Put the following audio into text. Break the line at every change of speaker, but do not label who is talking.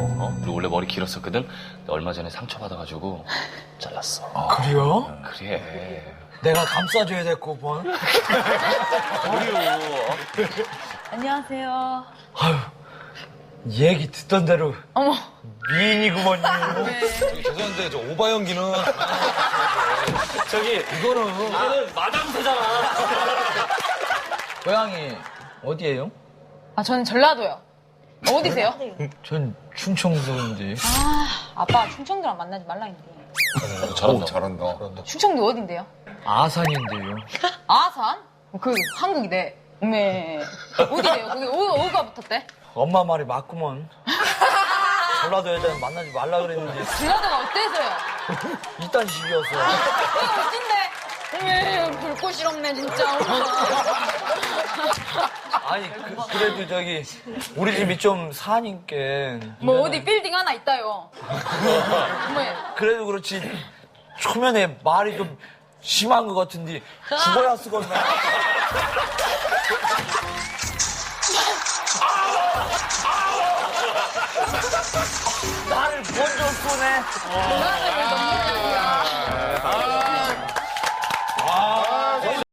그리고 원래 머리 길었었거든. 근데 얼마 전에 상처받아가지고 잘랐어.
그래요?
그래.
내가 감싸줘야 될 거구먼.
안녕하세요.
아유, 얘기 듣던 대로
어머.
미인이구먼요.
저기 죄송한데 저 오바 연기는
저기 이거는 마담새잖아.
고향이 어디예요?
아, 저는 전라도요. 어디세요?
전 충청도인데.
아빠 충청도랑 만나지 말라 했는데.
잘한다.
충청도 어딘데요?
아산인데요.
아산? 그 한국이네. 네. 어디래요? 거기 어디가 붙었대?
엄마 말이 맞구먼. 전라도 여자는 만나지 말라 그랬는데
전라도가 어때서요?
이딴 식이어서.
어딘데? 어메 불꽃이 없네 진짜.
아니 그래도 저기 우리 집이 좀 사니까
뭐 어디 빌딩 하나 있다요. 어메.
그래도 그렇지 초면에 말이 좀 심한 것 같은데 죽어야 쓰겄나. 나를 먼저 쏘네.
전라도를 넘기는 거야.